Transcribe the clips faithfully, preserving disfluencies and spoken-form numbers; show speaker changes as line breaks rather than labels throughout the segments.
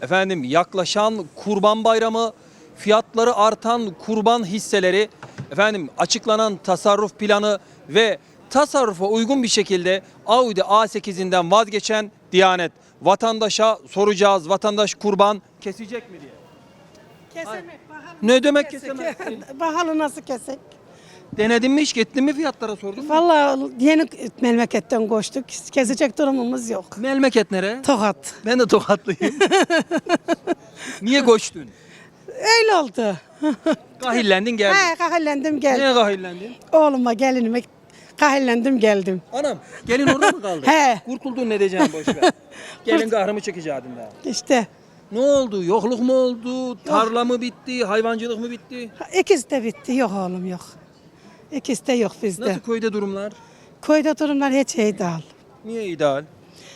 efendim yaklaşan Kurban Bayramı, fiyatları artan kurban hisseleri, efendim açıklanan tasarruf planı ve tasarrufa uygun bir şekilde Audi A sekizinden vazgeçen Diyanet. Vatandaşa soracağız, vatandaş kurban kesecek mi diye.
Kesemek, pahalı.
Ne demek
Kesek.
kesemezsin?
Pahalı nasıl kesek?
Denedin mi hiç, gittin mi fiyatlara sordun mu?
Vallahi yeni memleketten koştuk. Kesecek durumumuz yok.
Memleket nere?
Tokat.
Ben de Tokatlıyım. Niye koştun?
Öyle oldu.
Kahillendin geldin.
He, kahillendim geldim.
Niye kahillendin?
Oğluma, gelinime kahillendim geldim.
Anam, gelin orada mı kaldı?
He.
Kurtuldun ne diyeceğim boş ver. Gelin kahrımı çekeceğim daha.
İşte
Ne oldu? Yokluk mu oldu? Tarla mı bitti? Hayvancılık mı bitti?
ikisi de bitti. Yok oğlum yok. İkisi de yok bizde.
Nasıl köyde durumlar?
Köyde durumlar hiç iyi değil.
Niye ideal?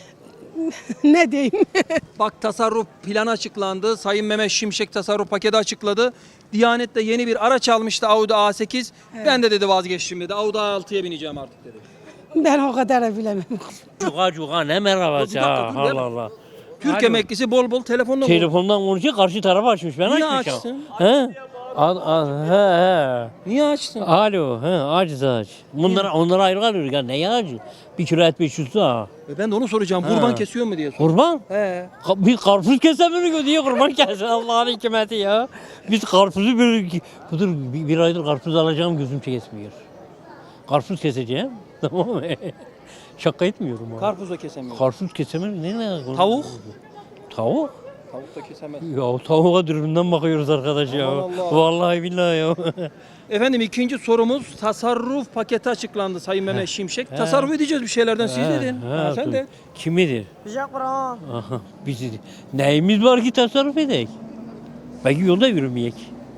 Ne diyeyim?
Bak tasarruf planı açıklandı. Sayın Mehmet Şimşek tasarruf paketi açıkladı. Diyanet de yeni bir araç almıştı, Audi A sekiz. Ben de dedi vazgeçtim dedi. Audi A altıya bineceğim artık dedi.
Ben o kadar bilemem.
Cuka cuka ne merhabası
Dur, bir dakika,
ha
dur,
Allah Allah.
Türk
Alo.
emeklisi bol bol telefonla vurdu.
Telefondan konuşuyor karşı tarafa açmış ben
Niye
açmışım.
açsın?
He? Al, al, he he.
Niye açtın?
Alo he aciz aç. Bunlara onlara ayrı kalıyor ya ne acı? Bir kilo et beş yüz lira.
E Ben de onu soracağım.
Ha.
Kurban kesiyor mu diye sor.
Kurban?
He.
Ka- Bir karpuz kesemiyor diye kurban kesin Allah'ın hikmeti ya. Biz karpuzu bir, budur, bir, bir aydır karpuz alacağım gözüm kesmiyor. Karpuz keseceğim tamam mı? Şaka etmiyorum ha.
Karpuz da kesemiyor.
Karpuz kesemiyor ne ne?
Tavuk?
Tavuk?
Tavuk da kesemez.
Ya tavuğa dürümden bakıyoruz arkadaş ya.
Aman Allah.
Vallahi billahi ya.
Efendim ikinci sorumuz tasarruf paketi açıklandı Sayın Mehmet Şimşek. Tasarruf edeceğiz bir şeylerden siz dedin.
He,
Ha, sen
dur.
de.
Kimidir?
Bize Kur'an.
Aha, bizi. Neyimiz var ki tasarruf edek? Belki yolda yürümeyek.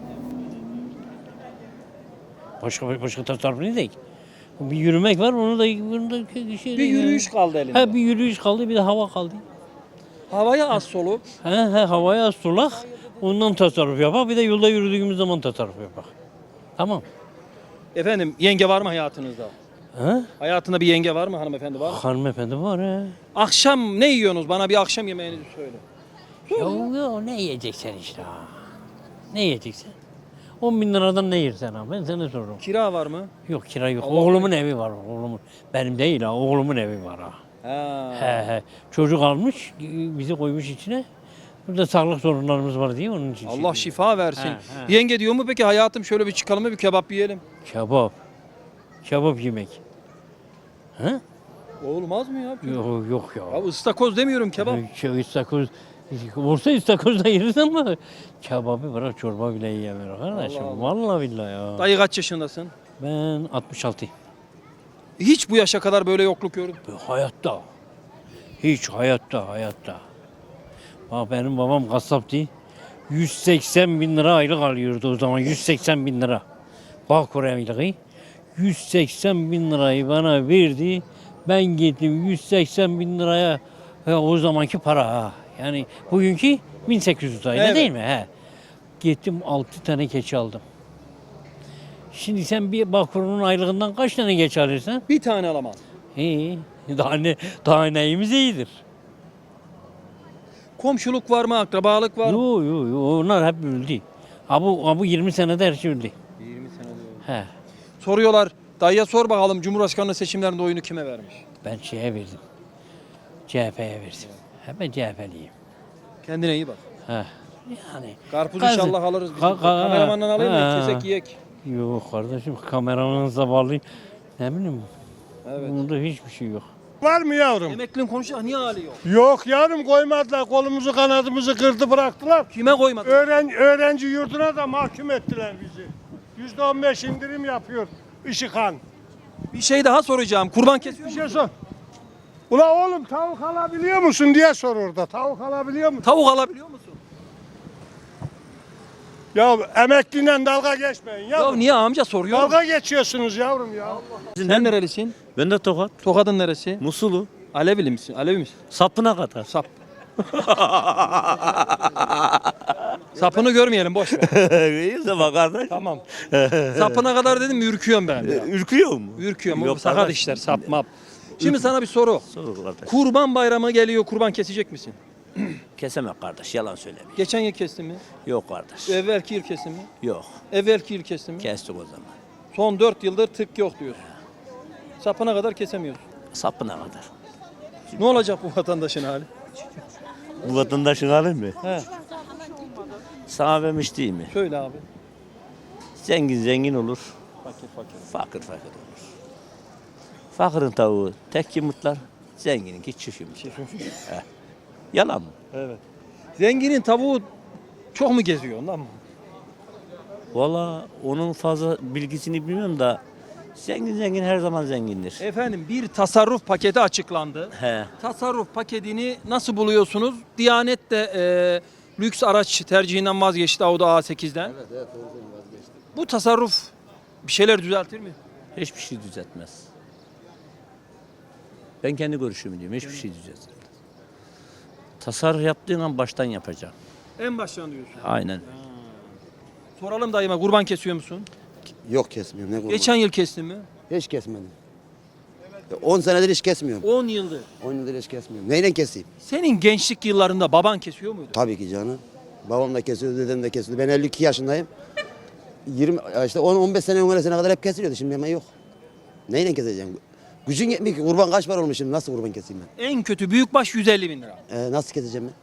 Başka başka tasarruf ne edek? Bir yürümek var, onu da bunu da şey.
Bir yürüyüş kaldı elinde.
Ha bir yürüyüş kaldı, bir de hava kaldı.
Havaya az solup
He he havaya az sulak. Ondan tasarruf yapak. Bir de yolda yürüdüğümüz zaman tasarruf yapak. Tamam.
efendim yenge var mı hayatınızda?
Ha?
Hayatında bir yenge var mı, hanımefendi var mı?
Hanımefendi var he.
Akşam ne yiyorsunuz? Bana bir akşam yemeğinizi söyle.
Ya, ya ne yiyeceksin işte ha? Ne yiyeceksin? on bin liradan ne yersen ha? Ben sana soruyorum.
Kira var mı?
Yok kira yok.
Allah
Oğlumun evi var. Oğlumun. Benim değil ha. Oğlumun evi var ha.
Ha.
He he. Çocuk almış, bizi koymuş içine. Burada sağlık sorunlarımız var diye onun için.
Allah şifa versin.
He, he.
Yenge diyor mu peki hayatım şöyle bir çıkalım mı bir kebap yiyelim?
Kebap. Kebap yemek. He?
Olmaz mı ya?
Yok yok ya.
Ya ıstakoz demiyorum kebap.
Şey, istakoz. Olsa istakoz da yeriz ama kebabı bırak çorba bile yiyemiyor kardeşim.
Allah Allah.
Vallahi billahi ya.
Dayı kaç yaşındasın?
Ben altmış altı.
Hiç bu yaşa kadar böyle yokluk gördün.
Hayatta. Hiç hayatta hayatta. Bak benim babam kasaptı. yüz seksen bin lira aylık alıyordu o zaman. yüz seksen bin lira. Bak aylığı. yüz seksen bin lirayı bana verdi. Ben gittim yüz seksen bin liraya ya o zamanki para ha. Yani bugünkü bin sekiz yüz liraydı
Evet.
değil mi? He. Gittim altı tane keçi aldım. Şimdi sen bir Bağkur'un aylığından kaç tane keçi alırsan?
Bir tane alamam.
İyi. Daha ne, daha neyimiz iyidir.
Komşuluk var mı? Akrabalık var mı?
Yo yo yo onlar hep öldü. Ha bu, ha bu yirmi senede her şey öldü.
yirmi sene diyor.
He.
Soruyorlar. Dayıya sor bakalım Cumhurbaşkanlığı seçimlerinde oyunu kime vermiş?
Ben şeye verdim. C H P'ye verdim. Hemen C H P'liyim.
Kendine iyi bak.
He. Yani.
Karpuz
Kazı-
inşallah alırız biz.
Ka- ka-
Kameramandan alayım mı?
Ha.
Kesek yiyek.
Yok kardeşim kameramanınıza bağlayayım. Ne bileyim.
Evet.
Bunda hiçbir şey yok.
Var mı yavrum?
Emeklinin konuşacak niye hali yok?
Yok yavrum koymadılar. Kolumuzu kanadımızı kırdı bıraktılar.
Kime koymadı?
Öğren, öğrenci yurduna da mahkum ettiler bizi. Yüzde on beş indirim yapıyor Işıkhan.
Bir şey daha soracağım. Kurban kesiyor
Bir
musun?
şey sor. Ula oğlum tavuk alabiliyor musun diye sor orada. Tavuk alabiliyor musun?
Tavuk alabiliyor musun?
Ya emekliyle dalga geçmeyin
Ya
yavrum.
niye amca soruyor?
Dalga geçiyorsunuz yavrum ya.
Sen nerelisin?
Ben de Tokat.
Tokat'ın neresi?
Musulu.
Alevili misin? Alevi misin?
Sapına kadar.
Sap. Sapını görmeyelim boş ver.
İyiyse bak kardeş.
Tamam. Sapına kadar dedim ürküyorum ben. Ya.
Ürküyor mu?
Ürküyorum. O
Yok
sakat
kardeş.
işler sap map. Şimdi sana bir soru.
Sor kardeş.
Kurban bayramı geliyor. Kurban kesecek misin?
Kesemek kardeş, yalan söylemeyeyim.
Geçen yıl kestin mi?
Yok kardeş.
Evvelki yıl kestin mi?
Yok.
Evvelki yıl kestin mi?
Kestik o zaman.
Son dört yıldır tık yok diyorsun. Sapına kadar kesemiyorsun.
Sapına kadar.
Ne olacak bu vatandaşın hali?
Bu vatandaşın hali mi?
He,
Sana vermiş değil mi?
söyle abi.
Zengin zengin olur.
Fakir fakir.
Fakir fakir olur. Fakirin tavuğu tek yumurtlar. Zengininki çift yumurtlar. Heh. Yalan mı?
Evet. Zenginin tavuğu çok mu geziyor ondan mı?
Valla onun fazla bilgisini bilmiyorum da zengin zengin her zaman zengindir.
Efendim bir tasarruf paketi açıklandı.
He.
Tasarruf paketini nasıl buluyorsunuz? Diyanet de e, lüks araç tercihinden vazgeçti Audi A sekizden. Evet, evet, vazgeçti. Bu tasarruf bir şeyler düzeltir mi?
Hiçbir şey düzeltmez. Ben kendi görüşümü diyorum. Hiçbir şey düzeltmez. Tasarruf yaptığın an baştan yapacağım.
En baştan diyorsun.
Aynen.
Soralım dayıma, kurban kesiyor musun?
Yok kesmiyorum. Ne kurban?
Geçen yıl kestin mi?
Hiç kesmedim. on senedir hiç kesmiyorum.
on yıldır.
on yıldır hiç kesmiyorum. Neyle keseyim?
Senin gençlik yıllarında baban kesiyor muydu?
Tabii ki canım. Babam da kesiyordu, dedem de kesiyordu. Ben elli iki yaşındayım. yirmi işte on on beş sene on sene kadar hep kesiliyordu. Şimdi hemen yok. Neyle keseceğim? Gücün yetmiyor ki. Kurban kaç para olmuş şimdi? Nasıl kurban keseyim ben?
En kötü büyükbaş yüz elli bin lira.
Ee, nasıl keseceğim ben?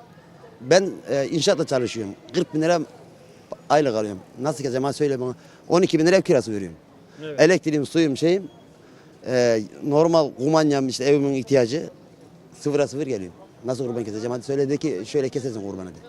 Ben e, inşaatta çalışıyorum. kırk bin lira aylık alıyorum. Nasıl keseceğim? Hadi söyle bana. on iki bin lira ev kirası veriyorum.
Evet.
Elektriğim, suyum, şeyim. e, normal kumanyam işte evimin ihtiyacı sıfıra sıfır geliyor. Nasıl kurban keseceğim? Hadi söyle de ki şöyle kesesin kurbanı de.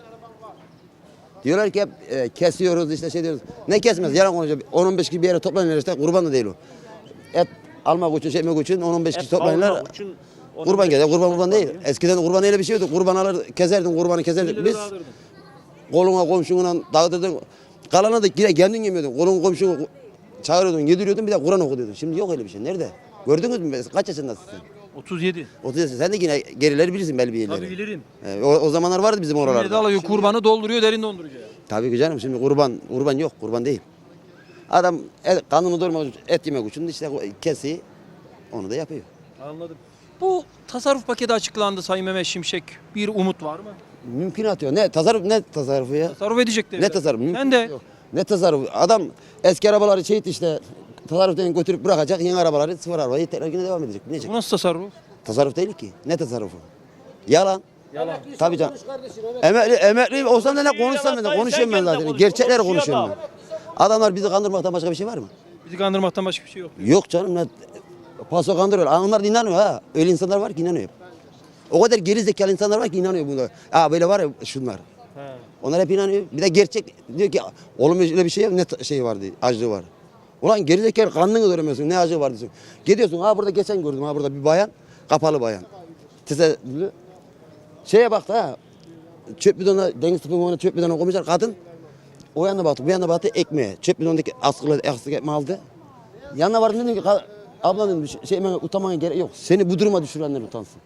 Diyorlar ki hep e, kesiyoruz işte şey diyoruz. Ne kesmez? Yalan konuşuyor. on on beş kişi bir yere toplanıyorlar işte kurban da değil o. Et almak için, şey etmek için on on beş kişi toplanıyorlar. Kurban keser. Kurban kurban değil. Eskiden kurban öyle bir şey yoktu. Kurban alır keserdin, kurbanı keserdik biz. Koluna komşuna dağıtırdın. Kalanı da yine kendin yemiyordun. Kolun komşunu çağırıyordun, yediriyordun bir de Kur'an okuyordun. Şimdi yok öyle bir şey. Nerede? Gördünüz mü? Kaç yaşındasın sen?
otuz yedi.
otuz yaşında. Sen de yine gerileri bilirsin belli bir yerleri.
Tabii bilirim.
Ee, o, o zamanlar vardı bizim
Millet
oralarda.
alıyor kurbanı dolduruyor derin dondurucuya.
Tabii ki canım şimdi kurban kurban yok. Kurban değil. Adam et, kanını doyurmak için, et yemek için işte kesi onu da yapıyor.
Anladım. Bu tasarruf paketi açıklandı Sayın Mehmet Şimşek. Bir umut var mı?
Mümkün atıyor. Ne tasarruf ne tasarrufu ya?
Tasarruf edecek
Ne
dediler.
tasarruf?
Sen
Mümkün
de
yok. Ne tasarruf? Adam eski arabaları çeyit işte tasarruftan götürüp bırakacak yeni arabaları sıfır arabayı tekrar yine devam edecek. Binecek.
bu nasıl tasarruf?
Tasarruf değil ki. Ne tasarrufu? Yalan.
Yalan.
Tabii canım. Emekli, emekli olsam da ne konuşsam ben de konuşuyorum ben zaten. Gerçekleri konuşuyorum ben. Adamlar bizi kandırmaktan başka bir şey var mı?
Bizi kandırmaktan başka bir şey yok.
Yok canım. Ne, paso kandırıyor. Aa, onlar da inanıyor ha. Öyle insanlar var ki inanıyor. O kadar geri zekalı insanlar var ki inanıyor buna. Aa böyle var ya şunlar.
He.
Onlar hep inanıyor. Bir de gerçek diyor ki oğlum öyle bir şey yok. Ne t- şey var diyor. Acılığı var. Ulan geri zekalı kanını göremiyorsun. Ne acı var diyorsun. Gidiyorsun ha burada geçen gördüm ha burada bir bayan. Kapalı bayan. Tesettürlü. Şeye baktı ha. Çöp bidonuna, deniz tıpkı çöp bidonuna koymuşlar kadın. O yana baktı, bu yana baktı ekmeğe. Çöp bidonundaki askılı askı ekmeği aldı. Yanına vardım dedim ki abla dedim şey hemen utanmaya gerek yok. Seni bu duruma düşürenler utansın.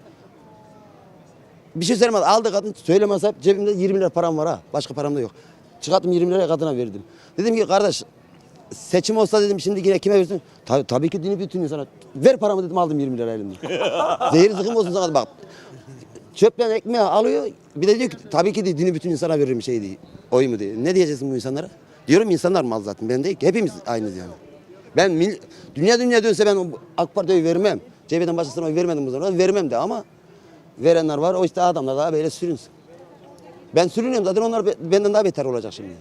Bir şey söylemez. Aldı kadın söylemez hep cebimde yirmi lira param var ha. Başka param da yok. Çıkarttım yirmi liraya kadına verdim. Dedim ki kardeş seçim olsa dedim şimdi yine kime versin? Tabii, tabii ki dini bütün insana. Ver paramı dedim aldım yirmi lira elimden. Zehir zıkkım olsun sana bak. Çöpten ekmeği alıyor. Bir de diyor ki tabii ki de dini bütün insana veririm şey diye. Oy mu diye. Ne diyeceksin bu insanlara? Diyorum insanlar mal zaten. Ben değil ki. Hepimiz aynıyız yani. Ben mil, dünya dünya dönse ben AK Parti'ye vermem. C H P'den başkasına oy vermedim bu zaman. Vermem de ama verenler var. O işte adamlar daha böyle sürünsün. Ben sürünüyorum zaten onlar benden daha beter olacak şimdi.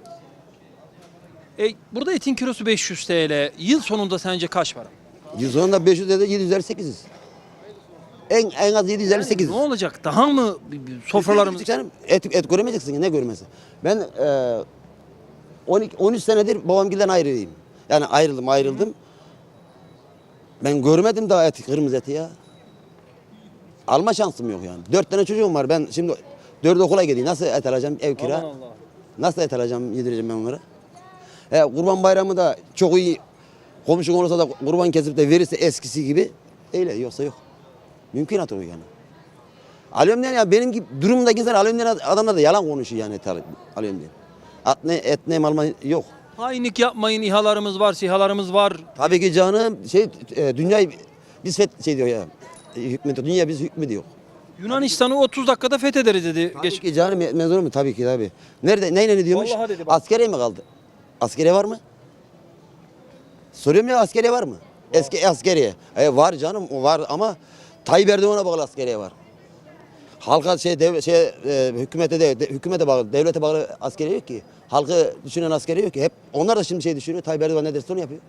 E, burada etin kilosu beş yüz T L. Yıl sonunda sence kaç para?
yüz onda beş yüz de yedi yüz elli sekiziz. En, en az yedi yüz elli sekiz.
Ne olacak? Daha mı bir- bir sofralarımız?
Canım, et, et göremeyeceksin ne görmesi. Ben e, on iki, on üç senedir babamgilden ayrıyım. Yani ayrıldım ayrıldım. Ben görmedim daha et, kırmızı eti ya. Alma şansım yok yani. Dört tane çocuğum var. Ben şimdi dört okula gideyim. Nasıl et alacağım? Ev kira.
Aman Allah.
Nasıl et alacağım, yedireceğim ben onlara? E, kurban bayramı da çok iyi. Komşun olursa da kurban kesip de verirse eskisi gibi. Öyle yoksa yok. Mümkünat o yani. Alıyorum diyen ya benim gibi durumdaki insan alıyorum diyen adamlar da yalan konuşuyor yani et alıyorum diye. Et ne, et ne alma yok.
Hainlik yapmayın, İHA'larımız var, SİHA'larımız var.
Tabii ki canım şey e, dünyayı biz fet şey diyor ya. E, hükmediyor. Dünya biz hükmediyor.
Yunanistan'ı otuz dakikada fethederiz dedi.
Tabii
Geç.
ki canım yetmez olur mu? Tabii ki tabii. Nerede, neyle ne diyormuş?
Vallahi dedi bak.
Askeriye mi kaldı? Askeriye var mı? Soruyorum ya askeriye var mı? Eski askeriye. E, var canım o var ama Tayyip Erdoğan'a bağlı askeriye var. Halka şey, dev, şey e, hükümete de, de- hükümete bağlı, devlete bağlı askeriye yok ki. Halkı düşünen askeriye yok ki. Hep onlar da şimdi şey düşünüyor. Tayyip Erdoğan ne derse onu yapıyor.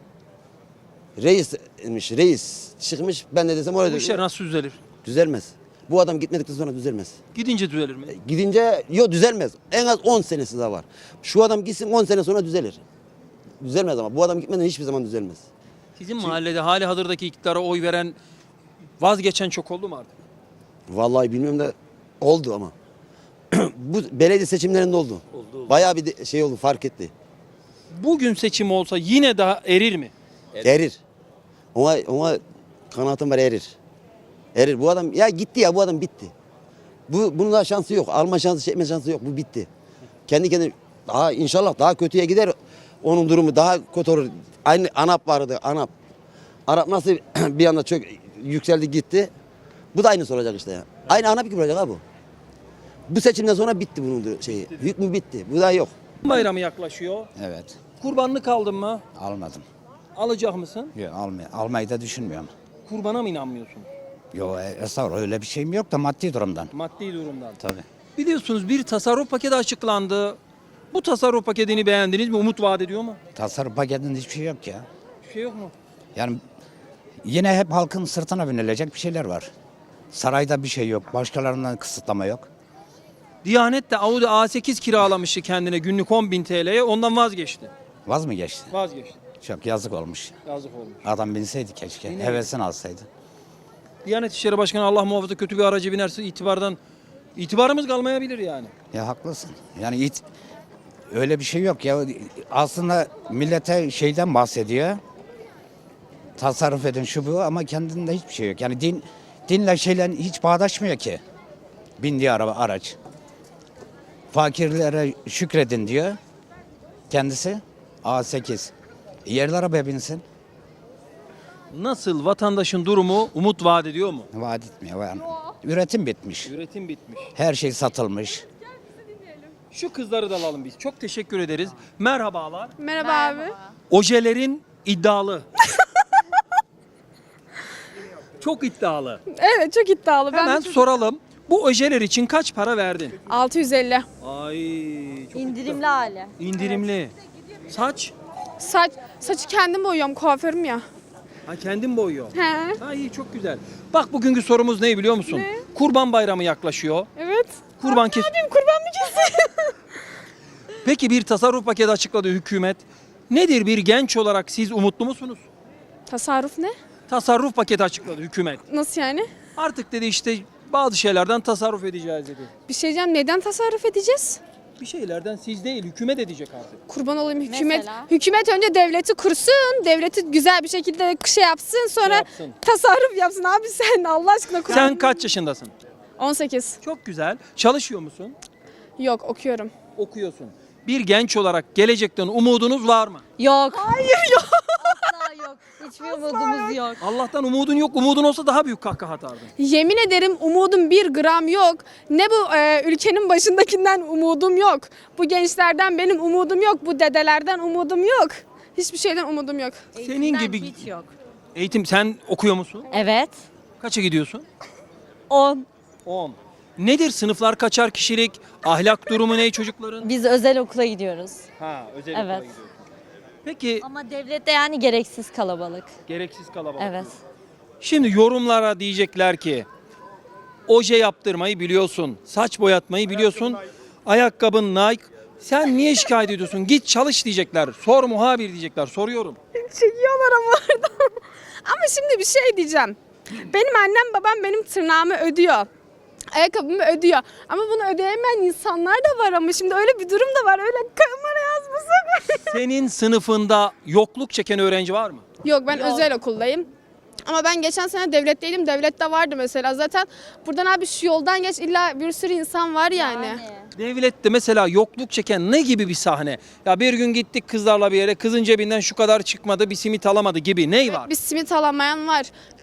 Reismiş, reis çıkmış. Ben ne desem oraya
Bu işler nasıl düzelir?
düzelmez. Bu adam gitmedikten sonra düzelmez.
Gidince düzelir mi?
Gidince yok düzelmez. En az on senesi daha var. Şu adam gitsin on sene sonra düzelir. Düzelmez ama bu adam gitmeden hiçbir zaman düzelmez.
Sizin mahallede hali hazırdaki iktidara oy veren, vazgeçen çok oldu mu artık?
Vallahi bilmiyorum da oldu ama. Bu belediye seçimlerinde oldu. oldu. Bayağı bir de- şey oldu fark etti.
Bugün seçim olsa yine daha erir mi?
Erir. Ona, ona kanaatim var erir. Erir. Bu adam ya gitti ya bu adam bitti. Bu bunun daha şansı yok. Alma şansı, çekme şansı yok. Bu bitti. Kendi kendine daha inşallah daha kötüye gider. Onun durumu daha kötü olur. Aynı ANAP vardı. ANAP. ANAP nasıl bir anda çok yükseldi gitti. Bu da aynısı olacak işte ya. Aynı ANAP gibi olacak ha bu. Bu seçimden sonra bitti bunun dur- şeyi. Hükmü bitti. Bu da yok.
Bayramı yaklaşıyor.
Evet.
Kurbanlık aldın mı?
Almadım.
Alacak mısın?
Yok, almay almayı da düşünmüyorum.
Kurbana mı inanmıyorsun?
Yok estağfurullah öyle bir şeyim yok da maddi durumdan.
Maddi durumdan.
Tabii.
Biliyorsunuz bir tasarruf paketi açıklandı. Bu tasarruf paketini beğendiniz mi? Umut vaat ediyor mu?
Tasarruf paketinde hiçbir şey yok ya.
Bir şey yok mu?
Yani yine hep halkın sırtına binilecek bir şeyler var. Sarayda bir şey yok. Başkalarından kısıtlama yok.
Diyanet de Audi A sekiz kiralamıştı kendine günlük on bin T L'ye. Ondan vazgeçti.
Vaz mı geçti?
Vazgeçti.
Çok yazık olmuş.
Yazık olmuş.
Adam binseydi keşke.
Binemedi.
Hevesini alsaydı.
Diyanet İşleri Başkanı Allah muhafaza kötü bir araca binerse itibardan itibarımız kalmayabilir yani.
Ya haklısın. Yani it, öyle bir şey yok ya. Aslında millete şeyden bahsediyor. Tasarruf edin şu bu ama kendinde hiçbir şey yok. Yani din dinle şeyle hiç bağdaşmıyor ki. Bindiği araba araç. Fakirlere şükredin diyor. Kendisi A sekiz. Yerli arabaya binsin.
Nasıl vatandaşın durumu umut vaat ediyor mu?
Vaat etmiyor. Yani. Üretim bitmiş.
Üretim bitmiş.
Her şey satılmış.
Şu kızları da alalım biz. Çok teşekkür ederiz. Merhabalar.
Merhaba, abi.
Ojelerin iddialı. Çok iddialı.
Evet çok iddialı. Ben
Hemen
de çok-
soralım. Bu ojeler için kaç para verdin?
altı yüz elli.
Ay çok
İndirimli hali.
indirimli. Saç?
Saç, saçı kendim boyuyorum kuaförüm ya.
Ha kendin boyuyor.
He.
Ha iyi çok güzel. Bak bugünkü sorumuz ne biliyor musun?
Ne?
Kurban bayramı yaklaşıyor.
Evet.
Kurban kes.
Abim kurban mı keseyim?
Peki bir tasarruf paketi açıkladı hükümet. Nedir bir genç olarak siz umutlu musunuz?
Tasarruf ne?
Tasarruf paketi açıkladı hükümet.
Nasıl yani?
Artık dedi işte bazı şeylerden tasarruf edeceğiz dedi.
Bir şey diyeceğim. Neden tasarruf edeceğiz?
Bir şeylerden siz değil hükümet edecek artık.
Kurban olayım hükümet.
Mesela?
Hükümet önce devleti kursun. Devleti güzel bir şekilde şey yapsın. Sonra
yapsın.
tasarruf yapsın. Abi sen Allah aşkına kurban.
Sen kaç yaşındasın?
on sekiz.
Çok güzel. Çalışıyor musun?
Yok okuyorum.
Okuyorsun. Bir genç olarak gelecekten umudunuz var mı?
Yok. Hayır yok. Asla yok. Hiçbir umudumuz yok.
Allah'tan umudun yok. Umudun olsa daha büyük kahkaha atardın.
Yemin ederim umudum bir gram yok. Ne bu e, ülkenin başındakinden umudum yok. Bu gençlerden benim umudum yok. Bu dedelerden umudum yok. Hiçbir şeyden umudum yok.
Senin gibi
Hiç yok.
eğitim sen okuyor musun?
Evet.
Kaça gidiyorsun?
on.
on. Nedir sınıflar kaçar kişilik? Ahlak durumu ne çocukların?
Biz özel okula gidiyoruz.
Ha, özel
Evet.
okula gidiyorsun. Peki
Ama devlette yani gereksiz kalabalık.
gereksiz kalabalık.
Evet.
Şimdi yorumlara diyecekler ki oje yaptırmayı biliyorsun, saç boyatmayı biliyorsun, ayakkabın Nike. Sen niye şikayet ediyorsun? Git çalış diyecekler. Sor muhabir diyecekler. Soruyorum.
Çekiyorlar ama orada. Ama şimdi bir şey diyeceğim. Benim annem babam benim tırnağımı ödüyor. Ayakkabımı ödüyor. Ama bunu ödeyemeyen insanlar da var ama şimdi öyle bir durum da var. Öyle kamera yazmasın.
Senin sınıfında yokluk çeken öğrenci var mı?
Yok ben özel okuldayım. Ama ben geçen sene devletteydim. Devlette vardı mesela. Zaten buradan abi şu yoldan geç illa bir sürü insan var yani.
Devlette mesela yokluk çeken ne gibi bir sahne? Ya bir gün gittik kızlarla bir yere, kızın cebinden şu kadar çıkmadı, bir simit alamadı gibi. Ney var?
Bir simit alamayan var.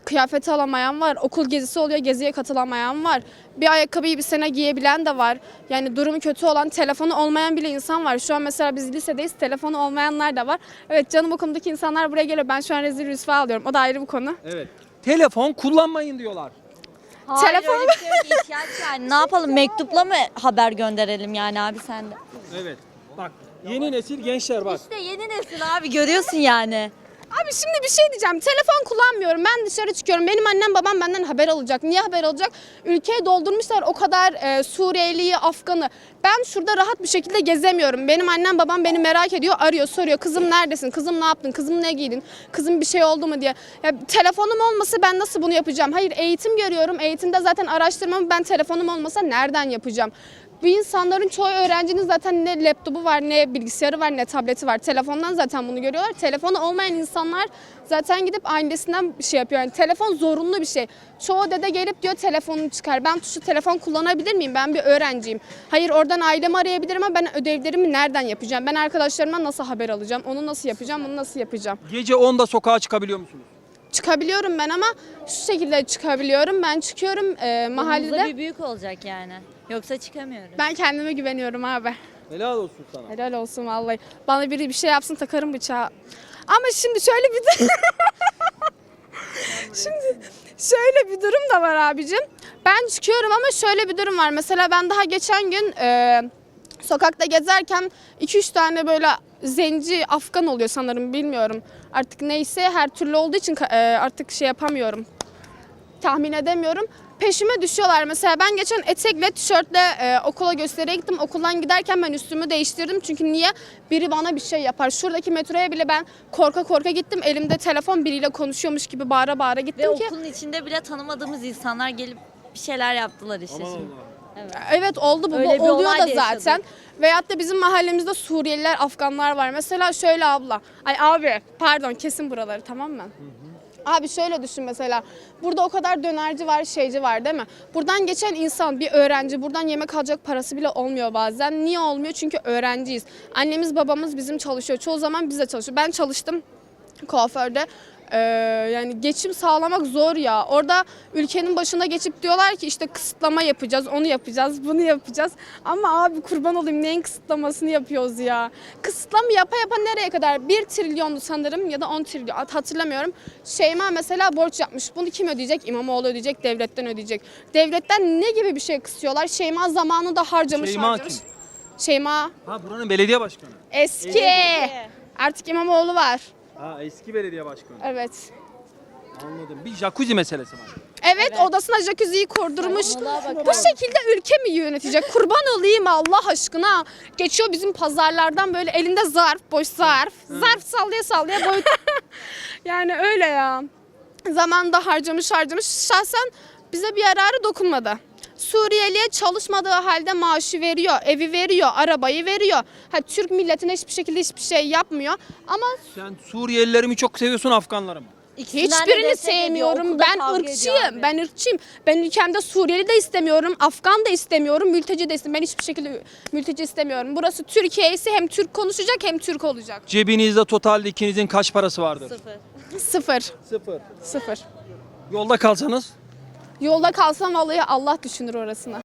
kıyafeti alamayan var. Okul gezisi oluyor, geziye katılamayan var. Bir ayakkabıyı bir sene giyebilen de var. Yani durumu kötü olan, telefonu olmayan bile insan var. Şu an mesela biz lisedeyiz, telefonu olmayanlar da var. Evet, canım okulumdaki insanlar buraya geliyor. Ben şu an rezil rüsva alıyorum. O da ayrı bir konu.
Evet. Telefon kullanmayın diyorlar.
Hayır,
Telefon-
öyle bir şey yok, ihtiyaç yani. Ne yapalım, mektupla mı haber gönderelim yani abi sen de?
Evet. Bak yeni nesil gençler bak.
İşte yeni nesil abi, görüyorsun yani.
Abi şimdi bir şey diyeceğim. Telefon kullanmıyorum. Ben dışarı çıkıyorum. Benim annem babam benden haber alacak. Niye haber alacak? Ülkeyi doldurmuşlar o kadar e, Suriyeliyi, Afganı. Ben şurada rahat bir şekilde gezemiyorum. Benim annem babam beni merak ediyor, arıyor, soruyor. Kızım neredesin? Kızım ne yaptın? Kızım ne giydin? Kızım bir şey oldu mu diye. Ya, telefonum olmasa ben nasıl bunu yapacağım? Hayır, eğitim görüyorum. Eğitimde zaten araştırmamı ben telefonum olmasa nereden yapacağım? Bu insanların çoğu öğrencinin zaten ne laptopu var, ne bilgisayarı var, ne tableti var. Telefondan zaten bunu görüyorlar. Telefonu olmayan insanlar zaten gidip ailesinden bir şey yapıyor. Yani telefon zorunlu bir şey. Çoğu dede gelip diyor telefonunu çıkar. Ben tuşlu telefon kullanabilir miyim? Ben bir öğrenciyim. Hayır, oradan ailemi arayabilirim ama ben ödevlerimi nereden yapacağım? Ben arkadaşlarıma nasıl haber alacağım? Onu nasıl yapacağım? Bunu nasıl yapacağım?
Gece onda sokağa çıkabiliyor musunuz?
Çıkabiliyorum ben ama şu şekilde çıkabiliyorum. Ben çıkıyorum e,
Mahallede
mahallede.
bir büyük olacak yani. Yoksa çıkamıyoruz.
Ben kendime güveniyorum abi.
Helal olsun sana.
Helal olsun vallahi. Bana biri bir şey yapsın takarım bıçağı. Ama şimdi şöyle bir de şimdi şöyle bir durum da var abicim. Ben çıkıyorum ama şöyle bir durum var. Mesela ben daha geçen gün e, sokakta gezerken iki üç tane böyle zenci Afgan oluyor sanırım, bilmiyorum. Artık neyse, her türlü olduğu için e, artık şey yapamıyorum. Tahmin edemiyorum. Peşime düşüyorlar. Mesela ben geçen etekle, tişörtle e, okula gösteriye gittim. Okuldan giderken ben üstümü değiştirdim. Çünkü niye? Biri bana bir şey yapar. Şuradaki metroya bile ben korka korka gittim. Elimde telefon, biriyle konuşuyormuş gibi bağıra bağıra gittim
Ve
ki.
okulun içinde bile tanımadığımız insanlar gelip bir şeyler yaptılar işte şimdi. Evet.
Evet, oldu bu.
Öyle
Bu
bir
oluyor
olay
da
da yaşadık.
zaten. Veyahut da bizim mahallemizde Suriyeliler, Afganlar var. Mesela şöyle abla. Ay abi pardon, kesin buraları, tamam mı? Abi şöyle düşün mesela. Burada o kadar dönerci var, şeyci var değil mi? Buradan geçen insan, bir öğrenci, buradan yemek alacak parası bile olmuyor bazen. Niye olmuyor? Çünkü öğrenciyiz. Annemiz babamız bizim çalışıyor. Çoğu zaman biz de çalışıyor. Ben çalıştım kuaförde. Ee, yani geçim sağlamak zor ya. Orada ülkenin başına geçip diyorlar ki işte kısıtlama yapacağız, onu yapacağız, bunu yapacağız. Ama abi kurban olayım, neyin kısıtlamasını yapıyoruz ya? Kısıtlama yapa yapa nereye kadar? bir trilyondu sanırım ya da on trilyon, hatırlamıyorum. Şeyma mesela borç yapmış. Bunu kim ödeyecek? İmamoğlu ödeyecek, devletten ödeyecek. Devletten ne gibi bir şey kısıyorlar? Şeyma zamanında harcamış
Şeyma
harcamış.
kim?
Şeyma
Ha buranın belediye başkanı.
eski. Artık İmamoğlu var.
Ha eski belediye başkanı.
Evet.
Anladım. Bir jacuzzi meselesi var.
Evet, odasına jacuzziyi kurdurmuş.
Saçmalığa bakar
Bu şekilde ülke mi yönetecek? Kurban olayım Allah aşkına. Geçiyor bizim pazarlardan böyle elinde zarf, boş zarf. Zarf sallaya sallaya boy. Yani öyle ya. Zamanında harcamış harcamış. Şahsen bize bir yararı dokunmadı. Suriyeliye çalışmadığı halde maaşı veriyor, evi veriyor, arabayı veriyor. Ha, Türk milletine hiçbir şekilde hiçbir şey yapmıyor. Ama
Sen Suriyelileri mi çok seviyorsun, Afganları mı?
İkisinden de
hiçbirini
destek ediyor,
sevmiyorum.
okulda
Ben
kavga ediyor
ırkçıyım.
abi.
Ben ırkçıyım. Ben ülkemde Suriyeli de istemiyorum, Afgan da istemiyorum, mülteci de istemiyorum. Ben hiçbir şekilde mülteci istemiyorum. Burası Türkiye ise hem Türk konuşacak hem Türk olacak.
Cebinizde totalde ikinizin kaç parası vardır?
Sıfır.
Sıfır.
Sıfır.
Sıfır.
Yolda kalsanız?
Yolda kalsam vallahi Allah düşünür orasını.